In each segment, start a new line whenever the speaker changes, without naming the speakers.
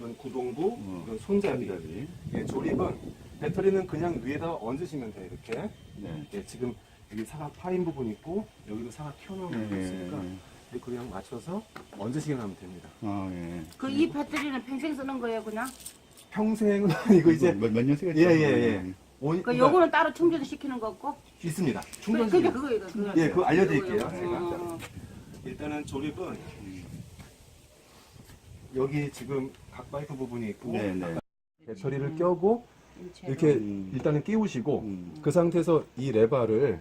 이건 구동부, 이건 손잡이. 예, 조립은 배터리는 그냥 위에다 얹으시면 돼요. 이렇게.
네.
예, 지금 여기 사각 파인 부분 있고 여기도 사각 튀어나온 부분 있으니까 이렇게 그냥 맞춰서 얹으시기만 하면 됩니다.
아, 예.
그 이 배터리는 평생 쓰는 거예요, 그냥?
평생은 아니고 이제
몇년 쓰겠죠?
예.
그 요거는 따로 충전 시키는 거 없고?
있습니다.
그게
충전식.
그거예요.
예, 그거 알려드릴게요.
요거.
제가. 일단은 조립은 여기 지금 각바이크 부분이 있고
네.
배터리를 껴고 이렇게 일단은 끼우시고 그 상태에서 이 레바를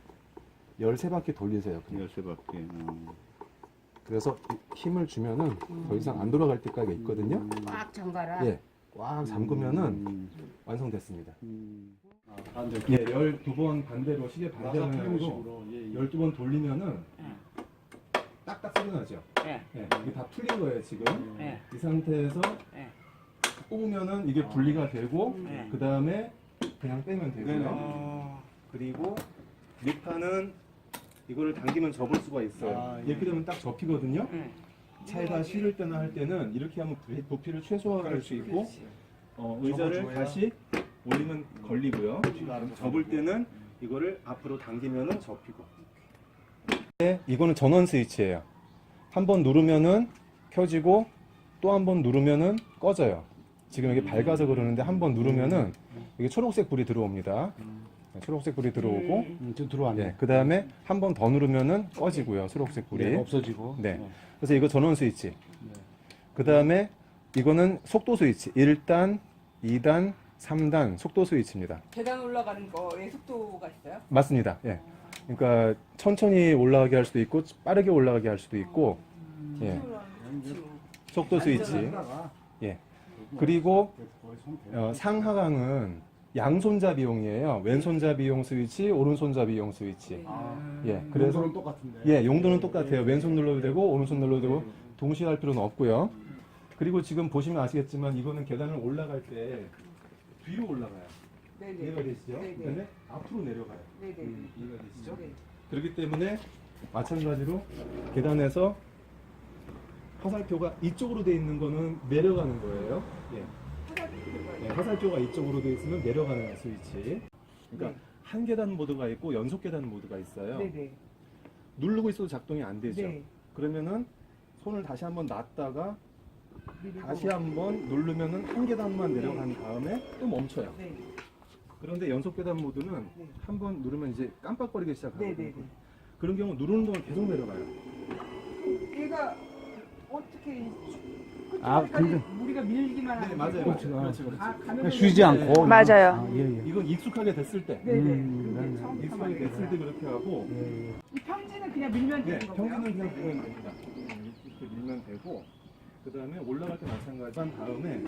13바퀴 돌리세요. 그냥.
13바퀴.
그래서 힘을 주면은 더 이상 안 돌아갈 때까지 있거든요.
꽉 잠가라.
예, 꽉 잠그면은 완성됐습니다.
반대로.
예, 12번 반대로 시계 반대 방향으로
식으로.
12번 돌리면은 딱딱 소리 나죠.
예.
예, 이게 다 풀린 거예요 지금.
예.
이 상태에서
예.
뽑으면은 이게 분리가 되고
네.
그 다음에 그냥 빼면 되고요. 그리고 밑판은 이거를 당기면 접을 수가 있어요.
아, 예.
이렇게 되면 딱 접히거든요.
예.
차에다 실을 때나 할 때는 이렇게 하면 부피를 최소화할 수 있고 의자를
접어줘야.
다시 올리면 걸리고요. 접을 때는 이거를 앞으로 당기면은 접히고. 네, 이거는 전원 스위치예요. 한 번 누르면은 켜지고 또 한 번 누르면은 꺼져요. 지금 이게 밝아서 그러는데 한 번 누르면은 이게 초록색 불이 들어옵니다. 초록색 불이 들어오고
좀 들어왔네.
그 다음에 한 번 더 누르면은 꺼지고요. 초록색 불이.
네, 없어지고.
네. 그래서 이거 전원 스위치. 그 다음에 이거는 속도 스위치. 1단, 2단, 3단 속도 스위치입니다.
계단 올라가는 거에 속도가 있어요?
맞습니다. 예. 그러니까 천천히 올라가게 할 수도 있고 빠르게 올라가게 할 수도 있고 예. 속도 스위치. 예. 그리고 상하강은 양손잡이용이에요. 왼손잡이용 스위치, 오른손잡이용 스위치. 예. 그래서
용도는 똑같은데.
예, 용도는 똑같아요. 왼손 눌러도 되고 오른손 눌러도 되고 동시에 할 필요는 없고요. 그리고 지금 보시면 아시겠지만 이거는 계단을 올라갈 때 뒤로 올라가요. 이해가 되시죠?
네네.
그다음에 앞으로 내려가요.
네네.
이해가 되시죠?
네.
그렇기 때문에 마찬가지로 계단에서 화살표가 이쪽으로 돼 있는 거는 내려가는 거예요. 예. 화살표가 이쪽으로 돼 있으면 내려가는 스위치. 그러니까 한 계단 모드가 있고 연속 계단 모드가 있어요.
네네.
누르고 있어도 작동이 안 되죠.
네.
그러면은 손을 다시 한번 놨다가
미리고.
다시 한번 누르면은 한 계단만 내려간 다음에 또 멈춰요.
네.
그런데 연속 계단 모드는
네.
한번 누르면 이제 깜빡거리기 시작하거든요.
네네네.
그런 경우 누르는 동안 계속 내려가요.
얘가 어떻게
아, 근데
우리가 밀기만
네,
하는
맞아요.
그렇죠.
그렇죠.
가면
쉬지 않고.
맞아요.
아, 예.
이건 익숙하게 됐을 때.
네네.
네.
처음부터
익숙하게 됐을 때 그렇게 하고
이 평지는 그냥 밀면
네,
되는 거고요.
평균은 그냥 밀면 됩니다. 이렇게 밀면 되고 그 다음에 올라갈 때 마찬가지 한 다음에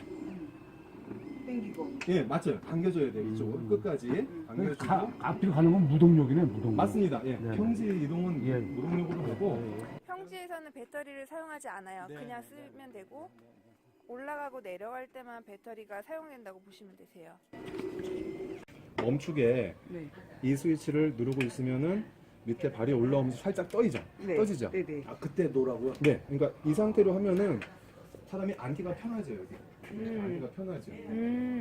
땡기고.
예 맞아요. 당겨줘야 돼요. 이쪽으로 끝까지 당겨주고
앞뒤로 가는 건 무동력이네, 무동력.
맞습니다. 예,
네.
평지 이동은
예.
무동력으로 하고
평지에서는 배터리를 사용하지 않아요. 그냥 쓰면 되고 올라가고 내려갈 때만 배터리가 사용된다고 보시면 되세요.
멈추게
네.
이 스위치를 누르고 있으면은 밑에 발이 올라오면서 살짝 떠지죠.
네.
떠지죠.
네네.
아, 그때 노라고요?
네, 그러니까 이 상태로 하면은 사람이 앉기가 편하죠 여기. 앉기가 편하죠.